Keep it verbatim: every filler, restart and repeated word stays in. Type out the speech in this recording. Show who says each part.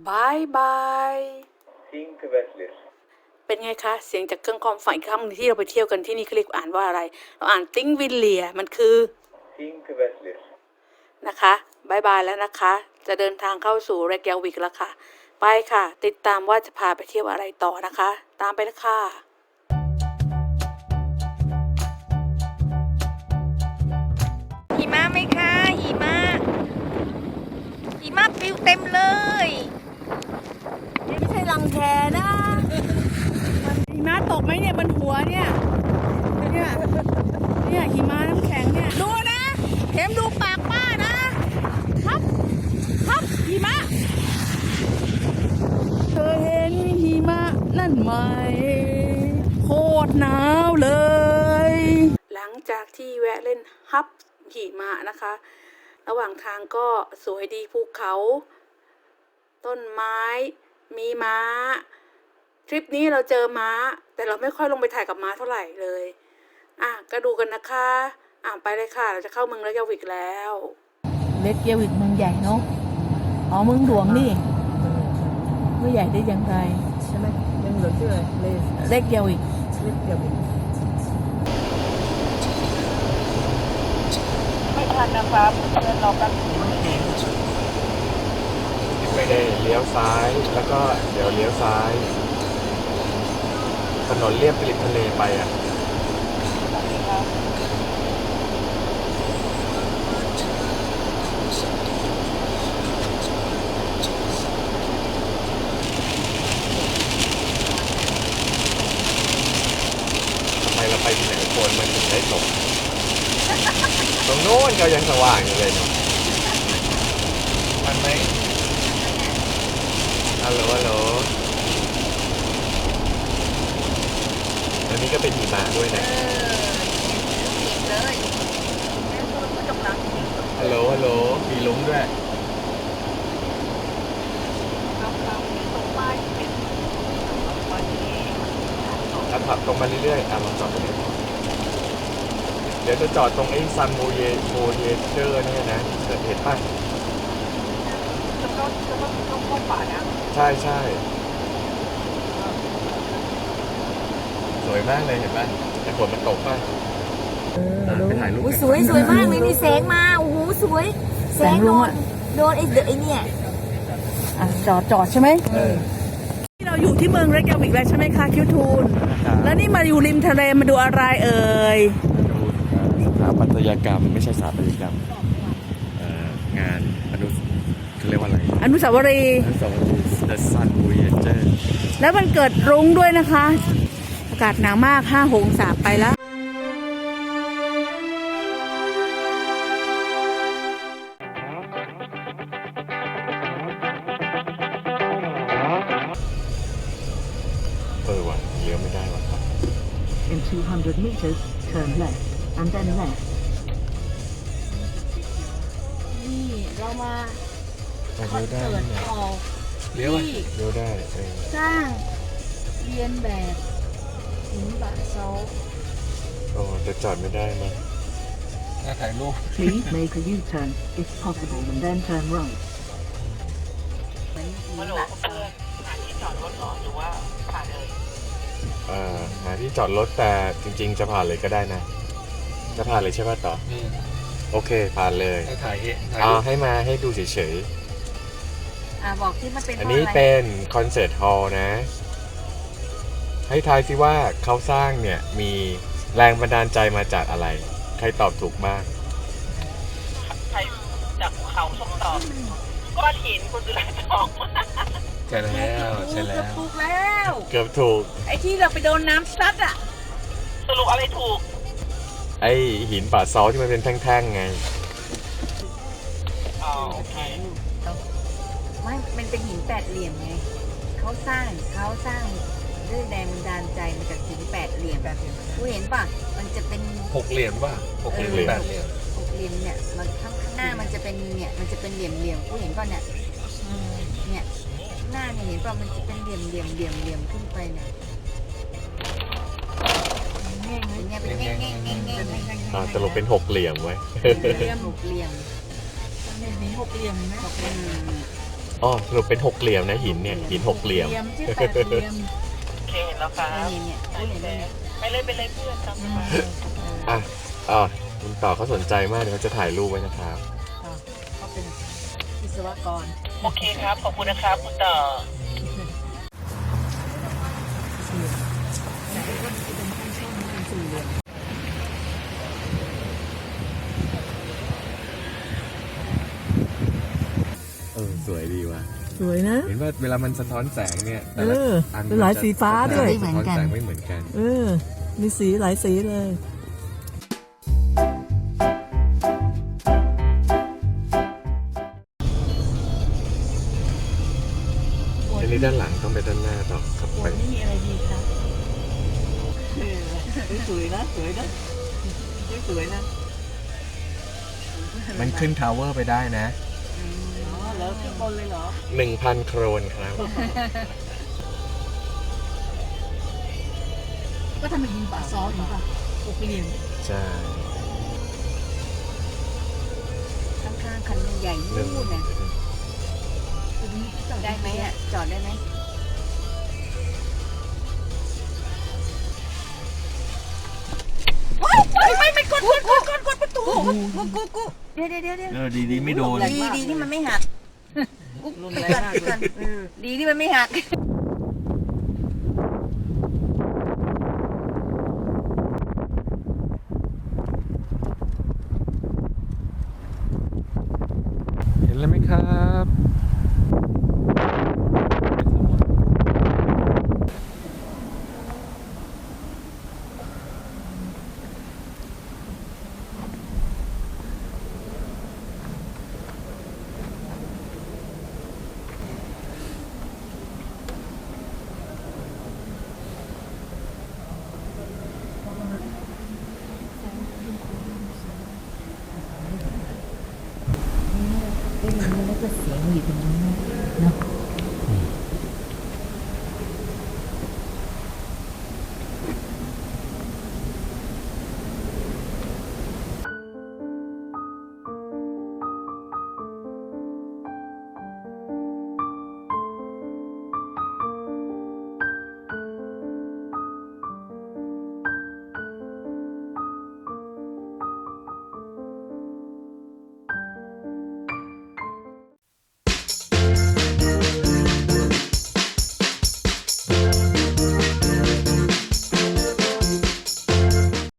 Speaker 1: บายบาย
Speaker 2: Þingvellir
Speaker 1: เป็นไงคะเสียงจากเครื่องความฝันอีกครั้งหนึ่งที่เราไปเที่ยวกันที่นี่เขาเรียกอ่านว่าอะไรเราอ่านติงวิลเลียมันคือ
Speaker 2: Þingvellir
Speaker 1: นะคะบายบายแล้วนะคะจะเดินทางเข้าสู่เรกยาวิกแล้วค่ะไปค่ะติดตามว่าจะพาไปเที่ยวอะไรต่อนะคะตามไปเลยค่ะ
Speaker 3: หิมะไหมคะหิมะหิมะปลิวเต็มเลยนี่ไม่ใช่รังแคนะหิมะตกไหมเนี่ยบนหัวเนี่ยเนี่ยเนี่ยหิมะน้ำแข็งเนี่ยดูนะเข็มดูปากป้านะครับครับหิมะเธอเห็นหิมะนั่นไหมโคตรหนาวเลย
Speaker 1: หลังจากที่แวะเล่นฮับหิมะนะคะระหว่างทางก็สวยดีภูเขาต้นไม้มีม้าทริปนี้เราเจอม้าแต่เราไม่ค่อยลงไปถ่ายกับม้าเท่าไหร่เลยอ่ะก็ดูกันนะคะอ่ะไปเลยค่ะเราจะเข้าเมืองเรกยาวิกแล้ว
Speaker 3: เล็กเยาวิกเมืองใหญ่เนาะอ๋อเมืองหลวงนี่เมืองใหญ่ได้ยังไงใช่ไหมเมืองหลวงชื่ออะไรเล็กเยาวิกเล็กเยาวิกไม่ทันนะครับเดินรอแป๊บนึง
Speaker 4: ไม่ได้เลี้ยวซ้ายแล้วก็เดี๋ยวเลี้ยวซ้ายถนนเลียบริมทะเลไปอ่ะทำไมเราไปที่ไหนคนมันถึงได้ตกตรงโน้นก็ยังสว่างอยู่เลยเนาะมันไหมฮัลโหลฮัลโหลอันนี้ก็เป็นหิมะด้วยนะฮัลโหลฮัลโหลมีลุ้งด้วยถ้าขับตรงมาเรื่อยๆอ่ะลองจอดตรงนี้เดี๋ยวจะจอดตรงไอ้ซันโมเยโมเยเจอร์เนี่ยนะเห็นป่ะใช่ใช่สวยมากเลยเห็นป่ะแต่ฝนมันตกป่ะไปถ่ายรูป
Speaker 3: สวยสวยมากเลยนี่แสงมาโอ้โหสวยแสงโดนโดนไอ้เดไอ้เนี่ยอ่ะจอดจอดใช่ไหม
Speaker 1: ที่เราอยู่ที่เมืองเรกยาวิกแล้วใช่ไหมคะคิวทูนแล้วนี่มาอยู่ริมทะเลมาดูอะไรเอ่ย
Speaker 4: สถาปัตยกรรมไม่ใช่สถาปัตยกรรมงานอนุเขาเรียกว่าอะไร
Speaker 1: อนุสาวรีย์
Speaker 4: อนุสาวรีย์ The Sun Voyager
Speaker 1: แล้วมันเกิดรุ้งด้วยนะคะอากาศหนาวมากห้าองศาไปแล้ว
Speaker 4: เออว่ะเลี้ยวไม่ได้ว่ะครับ
Speaker 5: In two hundred meters, turn left and then left.
Speaker 3: นี่เรามา
Speaker 4: เลี้ยวได้
Speaker 3: เปิด
Speaker 4: เนี่ย
Speaker 3: ออก
Speaker 4: เลี้ยวเลี้ยวได้เออ
Speaker 3: สร้างเรียนแบบหินบะโซ
Speaker 4: โอ้แต่จอดไม่ได้มั้ยถ้าถ่ายรูป
Speaker 5: Please make a U-turn if possible and then turn right.
Speaker 3: เหมือนหินบะโซ
Speaker 4: เอ่อหาที่จอดรถแต่จริงๆจะผ่านเลยก็ได้นะจะผ่านเลยใช่ป่ะต่อโอเคผ่านเลยถ่ายอ๋อให้มาให้ดูเฉยๆ
Speaker 3: อ่าบอกที่มันเป็น
Speaker 4: อันนี้เป็นคอนเสิร์ตฮอลล์นะ ให้ทายซิว่าเขาสร้างเนี่ยมีแรงบันดาลใจมาจากอะไร ใครตอบถูกบ้าง
Speaker 6: ใครจากภูเขาส่งต่อก้อนหินคุณสุรัตน์ทอง
Speaker 4: ใช่แล้วใช่แล้ว
Speaker 3: ถูกแล้ว
Speaker 4: เกือบถูก
Speaker 3: ไอ้ที่เราไปโดนน้ำซัดอ่ะ
Speaker 6: สรุปอะไรถูก
Speaker 4: ไอหินป่าซอที่มันเป็นแท่งๆไง
Speaker 6: อ๋อโอเค
Speaker 3: ไม่มันเป็นหินแปดเหลี่ยมไงเขาสร้างเขาสร้างด้วยแรงบันดาลใจมาจากหินแปดเหลี่ยมกูเห็นป่ะมันจะเป็น
Speaker 4: หกเหลี่ยมป่ะหกเหลี่ยมแปดเหลี่ยม
Speaker 3: หกเหลี่ยมเนี่ยมันข้างหน้ามันจะเป็นเนี่ยมันจะเป็นเหลี่ยมเหลี่ยมกูเห็นป่ะเนี่ยเนี่ยหน้าเนี่ยเห็นป่ะมันจะเป็นเหลี่ยมเหลี่ยมเหลี่ยมเหลี่ยมขึ้นไปเนี่ยเนี่ยเป็นแง่งแง่งแง่งแง่งแง่ง
Speaker 4: อ่าสรุปเป็นหกเหลี่ยมไว้
Speaker 3: เหลี่ยมหกเหลี่ยม
Speaker 6: มีหกเหลี่ยมไหม
Speaker 3: หกเหลี่ยม
Speaker 4: อ๋อสรุปเป็นหกเหลี่ยมนะหินเนี่ยหินหกเหลี่ยม
Speaker 3: ชื่อแปดเหลี่ยม
Speaker 6: โอเคเห็นแล้วครับ
Speaker 3: นี่เนี่ยอุ้ยเห็นไหมเนี่ย
Speaker 6: ไปเลยไปเลยเพื่อนตามสบาย
Speaker 4: อ่ะอ๋อคุณต่อเขาสนใจมากเดี๋ยวเขาจะถ่ายรูปไว้นะครับ
Speaker 3: เขาเป็นวิศวกร
Speaker 6: โอเคครับ ขอบคุณนะครับคุณต่อ
Speaker 4: เออสวยดีว่ะ
Speaker 7: สวยนะ
Speaker 4: เห็นว่าเวลามันสะท้อนแสงเนี่ยแต่
Speaker 7: เอ
Speaker 4: ละ
Speaker 7: อ
Speaker 4: อัน
Speaker 7: เป็นหลายสีฟ้าด้วย
Speaker 4: สะท้อนแสงไม่เหมือนกัน
Speaker 7: เออ มีสีหลายสีเลย
Speaker 4: อันนี้ด้านหลังต้องไปด้านหน้าต่อครับไป
Speaker 3: นี่มีอะไรดีคะสวยนะสวยนะสวยนะ
Speaker 4: มันขึ้นทาวเวอร์ไปได้นะ
Speaker 3: อ๋อแล้วขึ้นบนเลยเหรอ
Speaker 4: หนึ่งพันโครนครับ
Speaker 3: ก็ทำเป็นยิงป่าซ้อนหรือเปล่าหกเหลี่ยม
Speaker 4: ใช่
Speaker 3: ข้างๆคันใหญ่
Speaker 4: หนึ่ง
Speaker 3: นู่นน่ะได้ไหมอ่ะจอดได้ไหมไม่ไม่ไม่กดกดกดกดกดประตูกูกูกูเดี๋ยวเดี๋ยวเดี๋ยวเดี๋ยว
Speaker 4: เออดีดีไม่โดน
Speaker 3: ดีดีที่มันไม่หักรุนแรงมากเลยดีที่มันไม่หัก
Speaker 4: เห็นแล้วไหมครับ
Speaker 3: แล้วก็เสียงอยู่ตรงนั้นเนาะ